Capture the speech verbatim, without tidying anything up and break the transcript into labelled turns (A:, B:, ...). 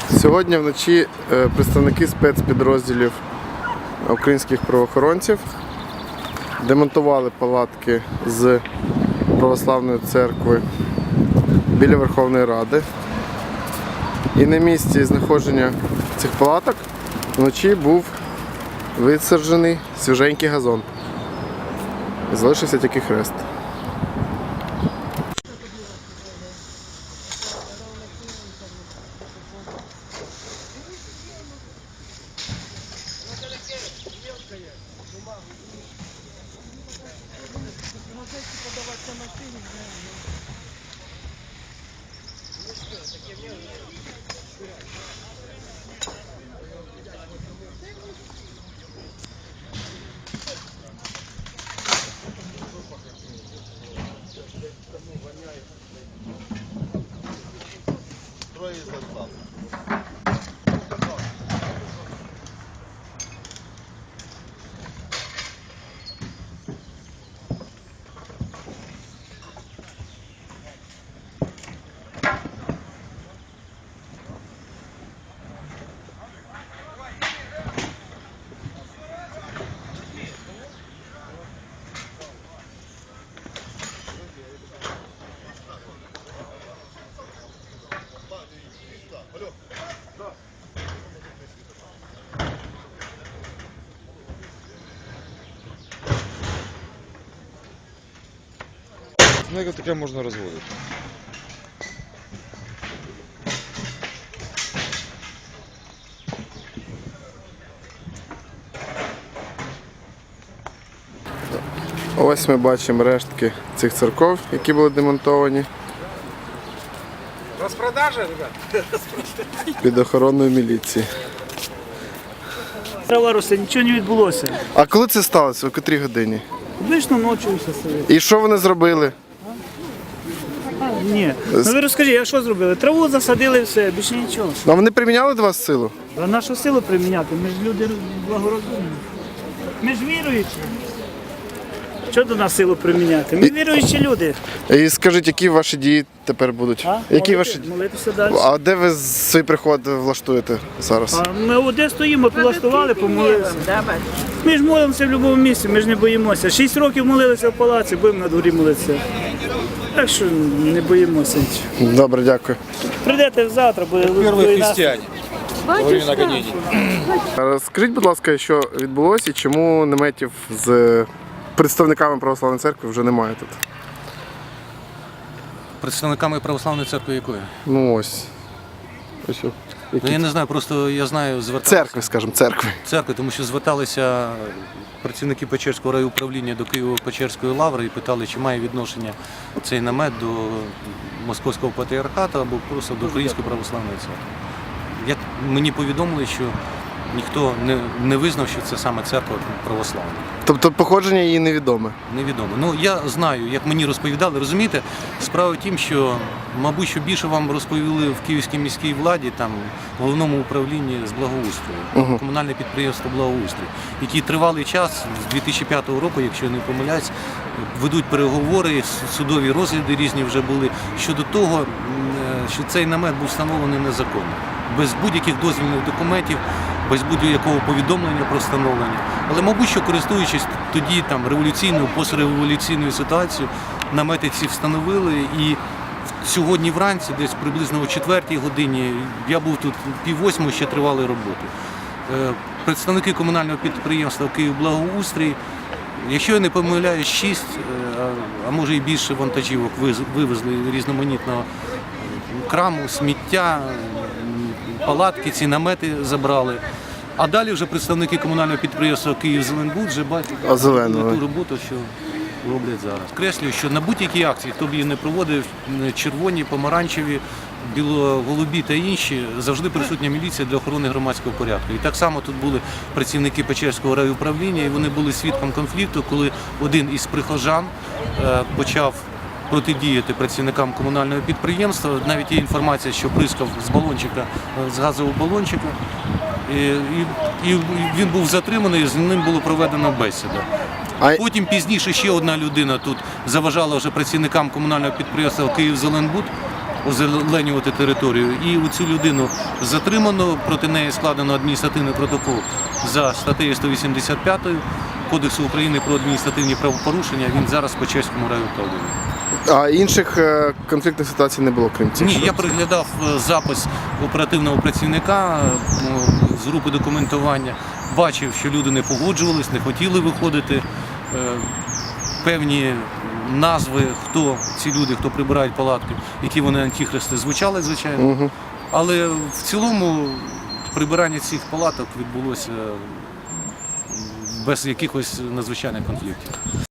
A: Сьогодні вночі представники спецпідрозділів українських правоохоронців демонтували палатки з православної церкви біля Верховної Ради. І на місці знаходження цих палаток вночі був висаджений свіженький газон. І залишився тільки хрест.
B: Ну, як таке можна розводити?
A: Ось ми бачимо рештки цих церков, які були демонтовані.
C: Розпродажа, ребят?
A: Під охороною міліції.
D: Трава росте, нічого не відбулося.
A: А коли це сталося? У котрій годині?
D: Вийшло ночі все собі.
A: І що вони зробили?
D: Ні. Ну ви розкажіть, а що зробили? Траву засадили і все, більше нічого.
A: А вони приміняли до вас силу?
D: А нашу силу приміняти? Ми ж люди благорозумні. Ми ж віруючі. Що до нас силу приміняти? Ми віруючі люди.
A: І скажіть, які ваші дії тепер будуть?
D: А?
A: Які
D: Молити-
A: ваші...
D: Молитися далі.
A: А де ви свій приход влаштуєте зараз?
D: А ми де стоїмо, влаштували, помолилися. Ми ж молимося в будь-якому місці, ми ж не боїмося. Шість років молилися в палаці, будемо на дворі молитися. Так що не боїмося нічого.
A: Добре, дякую.
D: Прийдете завтра, буде
B: Первые
D: і нас-
B: христиане во времена гонений.
A: Скажіть, будь ласка, що відбулося і чому наметів з представниками православної церкви вже немає тут?
E: Представниками православної церкви якої?
A: Ну ось. Ось. о.
E: Ну
A: Які?
E: я не знаю, просто я знаю, зверталися
A: Церкви, скажімо, церкви.
E: церкви, тому що зверталися працівники Печерського райуправління до Києво-Печерської лаври і питали, чи має відношення цей намет до Московського патріархату або просто до Української православної церкви. Як мені повідомили, що ніхто не, не визнав, що це саме церква православна.
A: Тобто походження її невідоме.
E: Невідомо. Ну я знаю, як мені розповідали. Розумієте, справа в тім, що, мабуть, що більше вам розповіли в Київській міській владі, там в головному управлінні з благоустрою,
A: Угу.
E: комунальне підприємство благоустрою, які тривалий час з дві тисячі п'ятого року, якщо я не помиляюсь, ведуть переговори, судові розгляди різні вже були щодо того, м, що цей намет був встановлений незаконно, без будь-яких дозвільних документів, без будь-якого повідомлення про встановлення. Але, мабуть, що користуючись тоді там революційною, постреволюційною ситуацією, намети ці встановили. І сьогодні вранці, десь приблизно о четвертій годині, я був тут пів восьмої, ще тривали роботи. Е, Представники комунального підприємства «Київблагоустрій», якщо я не помиляюсь, шість, е, а може і більше вантажівок виз- вивезли різноманітного краму, сміття, палатки, ці намети забрали. А далі вже представники комунального підприємства «Київзеленбуд» вже бачать
A: А зеленого?
E: ту роботу, що роблять зараз. Креслюю, що на будь-якій акції, хто б її не проводив, червоні, помаранчеві, біло-голубі та інші, завжди присутня міліція для охорони громадського порядку. І так само тут були працівники Печерського райуправління, і вони були свідком конфлікту, коли один із прихожан е, почав протидіяти працівникам комунального підприємства. Навіть є інформація, що бризкав з балончика, з газового балончика. І, і, і він був затриманий, з ним було проведено бесіду.
A: А...
E: Потім пізніше ще одна людина тут заважала вже працівникам комунального підприємства «Київзеленбуд» озеленювати територію. І у цю людину затримано, проти неї складено адміністративний протокол за статтею сто вісімдесят п'ять Кодексу України про адміністративні правопорушення. Він зараз по Чеському райуправлінні.
A: А інших е, конфліктних ситуацій не було, крім цих?
E: Ні,
A: що?
E: я приглядав е, запис оперативного працівника е, з групи документування. Бачив, що люди не погоджувались, не хотіли виходити. Е, Певні назви, хто ці люди, хто прибирають палатки, які вони антихристи, звучали, звичайно.
A: Угу.
E: Але в цілому прибирання цих палаток відбулося без якихось надзвичайних конфліктів.